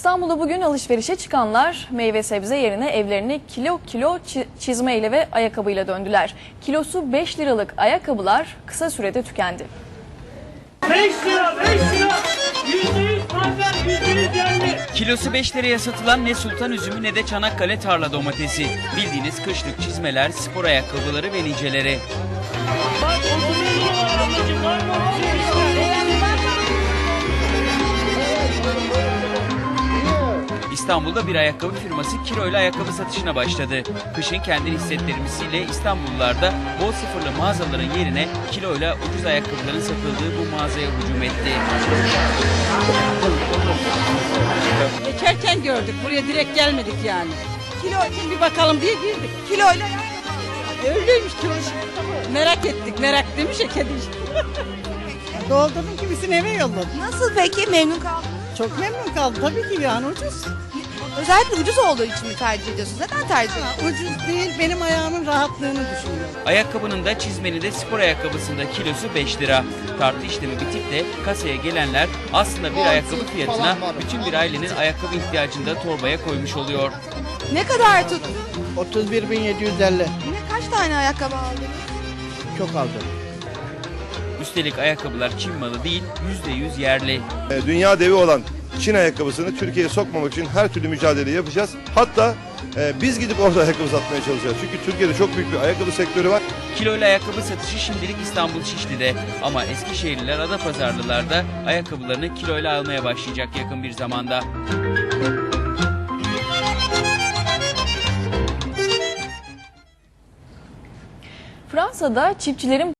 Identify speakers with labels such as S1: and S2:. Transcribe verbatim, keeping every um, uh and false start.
S1: İstanbul'da bugün alışverişe çıkanlar meyve sebze yerine evlerini kilo kilo çizmeyle ve ayakkabıyla döndüler. Kilosu beş liralık ayakkabılar kısa sürede tükendi.
S2: beş lira, beş lira, yüzde yüz pancar, yüzde yüz yerli.
S3: Kilosu beş liraya satılan ne sultan üzümü ne de Çanakkale tarla domatesi. Bildiğiniz kışlık çizmeler, spor ayakkabıları ve niceleri.
S2: Bak otuz lira var ablacığım, var mı?
S3: İstanbul'da bir ayakkabı firması kiloyla ayakkabı satışına başladı. Kışın kendini hissettirmesiyle İstanbullular da bol sıfırlı mağazaların yerine kiloyla ucuz ayakkabıların satıldığı bu mağazaya hücum etti.
S4: Geçerken gördük. Buraya direkt gelmedik yani. Kilo için bir bakalım diye girdik. Kiloyla öyleymiş kilo. Merak ettik. Merak demiş ya kedi. Doldurdum kimisini eve yolladım.
S5: Nasıl peki? Memnun kaldınız?
S4: Çok memnun kaldım. Tabii ki yani ucuz.
S5: Özellikle ucuz olduğu için mi tercih ediyorsunuz? Neden tercih ediyorsunuz?
S4: Ha, ucuz değil, benim ayağımın rahatlığını düşünüyorum.
S3: Ayakkabının da çizmenin de spor ayakkabısında kilosu beş lira. Tartı işlemi bitip de kasaya gelenler aslında bir ayakkabı fiyatına bütün bir ailenin ayakkabı ihtiyacını da torbaya koymuş oluyor.
S5: Ne kadar tut?
S4: otuz bir bin yedi yüz elli.
S5: Ne kaç tane ayakkabı aldınız?
S4: Çok aldım.
S3: Üstelik ayakkabılar Çin malı değil, yüzde yüz yerli.
S6: Dünya devi olan Çin ayakkabısını Türkiye'ye sokmamak için her türlü mücadele yapacağız. Hatta e, biz gidip orada ayakkabı satmaya çalışacağız. Çünkü Türkiye'de çok büyük bir ayakkabı sektörü var.
S3: Kiloyla ayakkabı satışı şimdilik İstanbul Şişli'de ama Eskişehirliler, Adapazarlılar da ayakkabılarını kiloyla almaya başlayacak yakın bir zamanda.
S1: Fransa'da çiftçilerin